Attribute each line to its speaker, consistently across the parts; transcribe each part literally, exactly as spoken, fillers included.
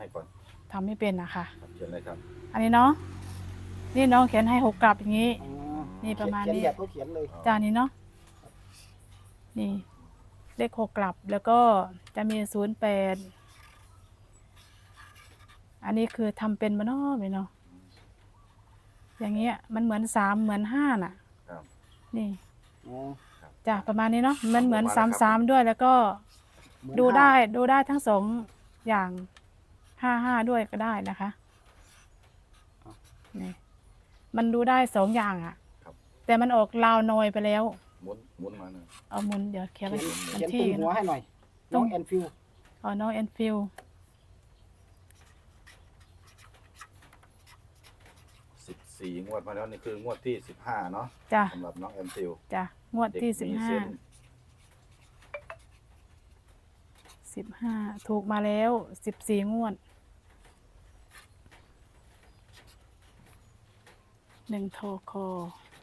Speaker 1: ให้ก่อน
Speaker 2: ทำไม่เป็นนะคะ
Speaker 1: เขียนเลยครับ
Speaker 2: อันนี้เนาะนี่น้องเขียนให้หกกลับอย่างนี้นี่ประมาณนี้
Speaker 3: เขียนแบบเขาเขียนเลย
Speaker 2: จานนี้เนาะนี่เลขหกกลับแล้วก็จะมีศูนย์แปดอันนี้คือทำเป็นมาเนาะเนาะอย่างเงี้ยมันเหมือนสามเหมือนห้าน่ะนี่จ้ะประมาณนี้เนาะมันเหมือนสามสามด้วยแล้วก็ดูได้ดูได้ทั้งสองอย่างห้าห้าด้วยก็ได้นะคะนี่มันดูได้สองอย่างอ่ะแต่มันออกลาวนอยไปแล้ว
Speaker 1: หมุนหมุนมาหนึ่ง
Speaker 2: เอาหมุนเดี๋ยวเขียน
Speaker 3: เขียนตุ้งหัวให้หน่อยน้องแอนฟิล
Speaker 2: อ๋อน้องแอนฟิล
Speaker 1: สิบสี่งวดมาแล้วนี่คืองวดที่สิบห้าเนาะ
Speaker 2: จ้ะ
Speaker 1: สำหรับน้องแอนฟิล
Speaker 2: จ้ะงวดที่สิบห้าสิบห้าถูกมาแล้วสิบสี่งวดหนึ่งโทรคอ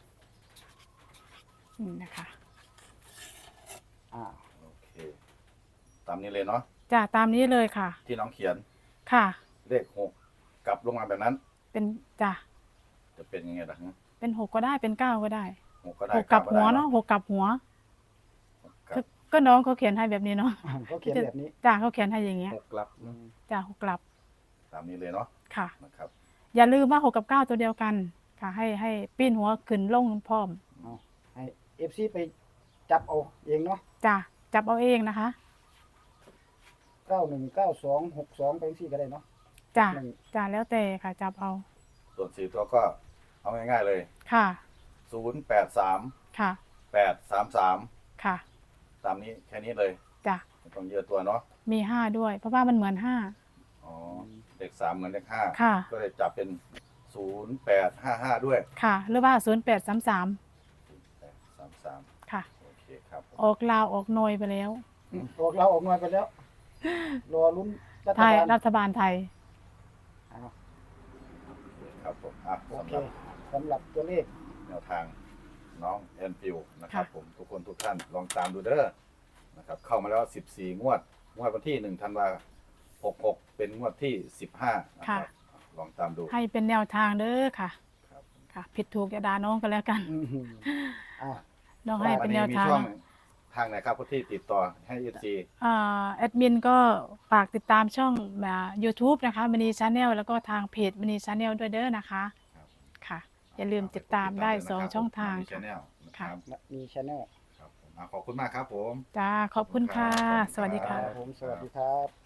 Speaker 2: นี่นะคะ
Speaker 1: อ่าโอเคตามนี้เลยเนาะ
Speaker 2: จ้ะตามนี้เลยค่ะ
Speaker 1: ที่น้องเขียน
Speaker 2: ค่ะ
Speaker 1: เลขหกกลับลงมาแบบนั้น
Speaker 2: เป็นจ้ะ
Speaker 1: จะเป็นยังไงล่ะ
Speaker 2: เป็นหกก็ได้เป็นเก้าก็ได้
Speaker 1: หกก็ได้
Speaker 2: หกกลับหัวเนาะหกกลับหัวก็น้องเขาเขียนให้แบบนี้เนาะ
Speaker 3: เขาเขียนแบบนี้
Speaker 2: จ้ะเขาเขียนให้อย่างเงี้ย
Speaker 1: หกกลับ
Speaker 2: จ้ะหกกลับ
Speaker 1: ตามนี้เลยเนาะ
Speaker 2: ค่ะ
Speaker 1: นะครับ
Speaker 2: อย่าลืมว่าหกกับเก้าตัวเดียวกันค่ะให้ให้ปิ้นหัวขึ้นลงพร้อม
Speaker 3: ให้เอฟซีไปจับเอาเองเนาะ
Speaker 2: จ้ะจับเอาเองนะคะ
Speaker 3: เก้าหนึ่งเก้าสองหกสองไปซี่ก็ได้เนาะ
Speaker 2: จ้ะจ้ะแล้วแต่ค่ะจับเอา
Speaker 1: ส่วนสี่ตัวก็เอาง่ายๆเลย
Speaker 2: ค่ะ
Speaker 1: ศูนย์แปดสาม
Speaker 2: ค่ะ
Speaker 1: แปดสามสาม
Speaker 2: ค่ะ
Speaker 1: ตามนี้แค่นี้เลย
Speaker 2: จ้ะ
Speaker 1: ไม่ต้องเยอะตัวเนาะ
Speaker 2: มีห้าด้วยเพราะว่ามันเหมือนห้า
Speaker 1: อ๋อเลขสามเหมือนเลขห้า
Speaker 2: ค่ะ
Speaker 1: ก็เลยจับเป็นศูนย์แปดห้าห้าด้วย
Speaker 2: ค่ะหรือว่าศูนย์แปดสามสาม
Speaker 1: สามสาม
Speaker 2: ค่ะ
Speaker 1: โอเคครับ
Speaker 2: ออกลาวออกนอยไปแล้ว
Speaker 3: ออกเราออกนอยไปแล้วรอลุ้นรัฐ
Speaker 2: ไทย
Speaker 3: บาล
Speaker 2: รัฐบาลไทย
Speaker 1: ครับผมอ่ะ
Speaker 3: โอเคสำหรับตัวเลข
Speaker 1: แนวทางน้องแอนฟิลนะครับผมทุกคนทุกท่านลองตามดูเด้อนะครับเข้ามาแล้วสิบสี่งวดงวดวันที่หนึ่งธันวาหกหกเป็นงวดที่สิบห้านะครับลองตามดู
Speaker 2: ให้เป็นแนวทางเด้อค่ะค่ะผิดถูกอย่าด่าน้องกันแล้วกันน้องให้เป็นแนวทาง
Speaker 1: ทางไหนครับผู้ที่ติดต่อให้เอซี
Speaker 2: แอดมินก็ฝากติดตามช่องยูทูบนะคะมณีชาแนลแล้วก็ทางเพจมณีชาแนลด้วยเด้อนะคะค่ะอย่าลืมติดตามได้สองช่องทาง
Speaker 1: ค่ะ
Speaker 3: มีชาแนล
Speaker 1: ขอบคุณมากครับผม
Speaker 2: จ้าขอบคุณค่ะสวัสดีค่ะ
Speaker 3: ผมสวัสดีครับ